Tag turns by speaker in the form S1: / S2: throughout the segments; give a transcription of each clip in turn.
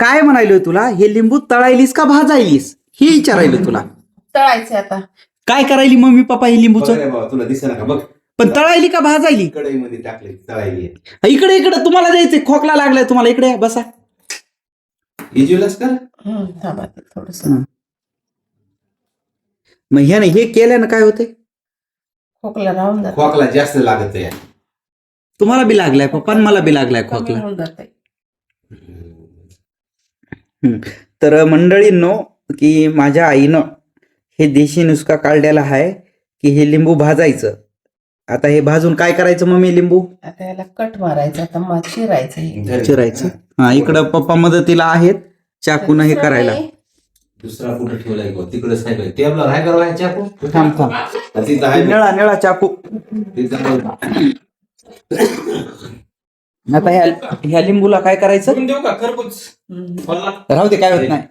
S1: काय म्हणायलोय तुला, हे लिंबू तळायलीस का भाजायलीस हे विचारायलो तुला.
S2: तळायचं आता.
S1: काय करायली मम्मी पप्पा हे लिंबूचं?
S3: बाबा तुला दिसेना का बघ,
S1: पण तळायली का भाजायली?
S3: कढईमध्ये टाकले तळायली.
S1: इकडे इकडे तुम्हाला द्यायचंय, खोकला लागलाय तुम्हाला, इकडे या, बसा.
S3: इजुलास का
S2: थांबा थोडस.
S1: मग ह्याने हे केल्यानं काय होतंय?
S2: खोकला राहून जात.
S3: खोकला जास्त लागत आहे.
S1: तुम्हाला बी लागलाय पप्पा, मला बी लागलाय खोकला.
S2: होऊन जातंय.
S1: तर मंडळींनो, की माझ्या आईनं हे देशी नुसका काढलेला आहे की हे लिंबू भाजायचं. आता हे भाजून काय करायचं मम्मी? लिंबू
S2: आता याला कट मारायचं, आता मग चिरायचं हे.
S1: चिरायचं. हा, इकडं पप्पा मदतीला आहेत चाकून हे करायला.
S3: दुसरा कुठं ठेवलाय गो? तिकडे सायकल टेबलवर आहे का चाकू?
S1: थांब थांब,
S3: तिथं आहे
S1: निळा निळा चाकू. आता ह्या लिंबूला काय करायचं?
S4: देऊ का खरबूज?
S1: राहू दे, काय होत नाही.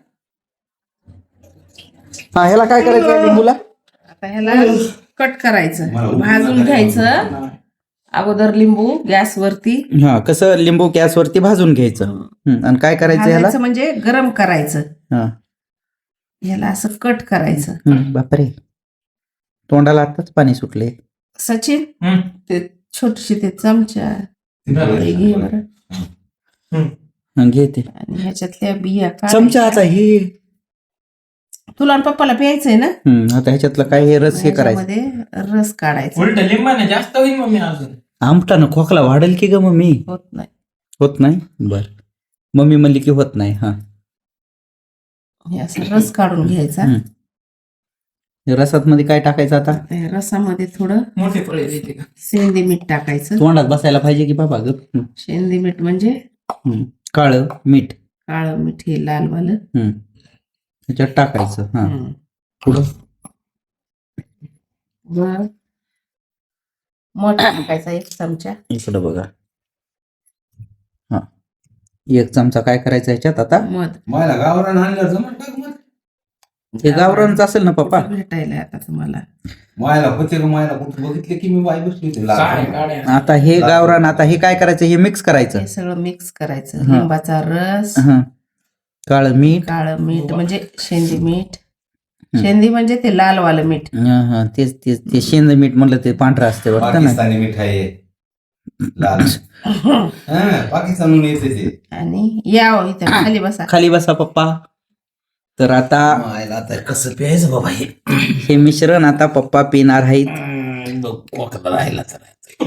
S1: हा, ह्याला काय करायचं या लिंबूला?
S2: आता ह्याला कट करायचं, भाजून घ्यायचं अगोदर लिंबू गॅसवरती.
S1: हा, कसं लिंबू गॅसवरती भाजून घ्यायचं. आणि काय करायचं ह्याला?
S2: भाजायचं म्हणजे गरम करायचं.
S1: हा,
S2: ह्याला असं कट करायचं.
S1: बापरे, तोंडाला आताच पाणी सुटले.
S2: सचिन, ते छोटीशी ते चमचा घे बरं,
S1: घे ते
S2: आणि ह्याच्यातल्या बिया
S1: चमचा. आता हे
S2: तुला आणि पप्पाला प्यायचंय ना?
S1: आता ह्याच्यातलं काय हे रस हे करायचं.
S2: ह्याच्यामध्ये रस काढायचा.
S4: उलट लिंबाने जास्त होईल मम्मी अजून.
S1: आमटानं खोकला वाढेल की ग मम्मी?
S2: होत नाही.
S1: होत नाही? बर, मम्मी म्हणली की होत नाही. हा,
S2: हे असं रस काढून घ्यायचा.
S1: रसात मध्ये काय टाकायचं आता?
S2: त्या रसामध्ये थोडं
S4: मोठे फळे देते का?
S2: शेंदी मीठ टाकायचं.
S1: तोंडात बसायला पाहिजे की बाबा ग?
S2: शेंदी मीठ म्हणजे
S1: काळं मीठ.
S2: काळं मीठ, हे लाल वालं.
S1: ह्याच्यात टाकायचं. हा, पुढं
S2: बर, मध टाकायचा 1 चमचा.
S1: इकडं बघा. हा, 1 चमचा काय करायचं ह्याच्यात आता?
S2: मध.
S3: मला गावरान आणलं जमत टाक मग.
S1: हे गावरानच असेल ना पप्पा?
S2: भेटायला आता तुम्हाला.
S3: मायला होते का? मायला कुठं बघितलं की मी बाई बसली होती लाल.
S4: काड्या.
S1: आता हे गावरान, आता हे काय करायचं? हे मिक्स करायचं.
S2: हे सगळं मिक्स करायचं.
S1: हा.
S2: लिंबाचा रस,
S1: काळं मीठ.
S2: काळं मीठ म्हणजे शेंदी मीठ. शेंदी म्हणजे ते लाल वालं मीठ.
S1: हा, तेच तेच, ते शेंद मीठ म्हणलं ते पांढरं असते वाटतं ना.
S3: पाकिस्तानी मिठाई आहे. लाल. पाकिस्तानहून येते ते.
S2: आणि या इथे खाली बसा.
S1: खाली बसा पप्पा. तर आता
S3: मायला आता कसं प्यायचं बाबा हे?
S1: हे मिश्रण आता पप्पा पिणार आहेत.
S3: खोकला राहिला तर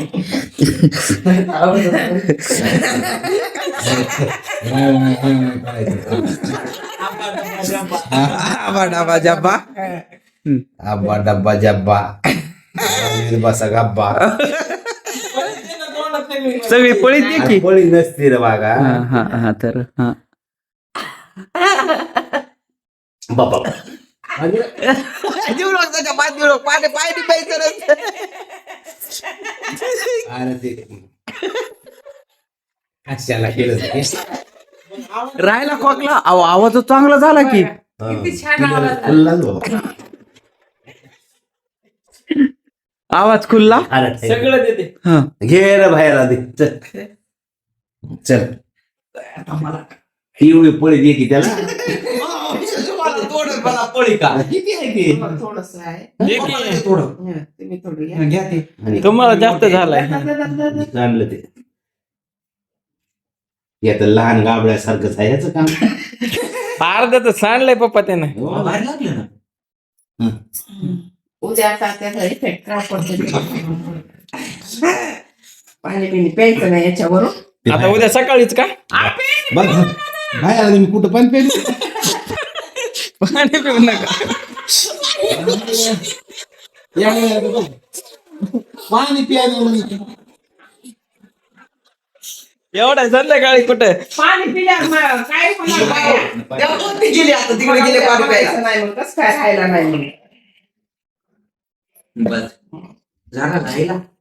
S1: आबा डाबा जब्बा.
S3: आब्बा डब्बा जब्बा बसा गब्बा.
S1: सगळी पळी दे की.
S3: पळी नसते रे बागा.
S1: हा, तर हा
S3: बाबा अरे ते कशाला केलं ते?
S1: राहायला खोकला. आवाज चांगला झाला की.
S2: किती छान आवाज आला.
S3: खुल्लाच बाबा.
S1: आवाज खुल्ला.
S3: अरे
S4: सगळं देते.
S1: हा,
S3: घे रे बाहेर आधी. चल चल, एवढी पळी दे की त्याला.
S1: पळी का?
S3: किती आहे ते?
S2: थोडंसं आहे.
S4: दे की.
S2: हं, तुम्ही थोडं घ्या.
S1: घ्या ते.
S4: तुम्हाला जास्त झालाय.
S3: आणलं ते. हे तर लहान गाबड्यासारखंच आहे ह्याचं काम.
S4: अर्धा तर सांडलंय पप्पा त्यानं.
S3: हो, बाहेर लागलं ना.
S2: उद्या आता त्याचा इफेक्ट काय पडतो? पाणी बिणी प्यायचं नाही याच्यावरून.
S4: आता उद्या सकाळीच का?
S3: बघ बाहेर आलं मी कुठं पण पेन.
S4: पाणी पिऊ नका.
S3: पाणी प्यायला
S4: एवढा संध्याकाळी कुठे?
S2: पाणी पिल्यावर काय होणार बाया?
S1: गेली आता तिकडे गेले पाणी प्यायला.
S2: नाही मग कसं काय राहायला नाही.
S1: बस झाला राहिला.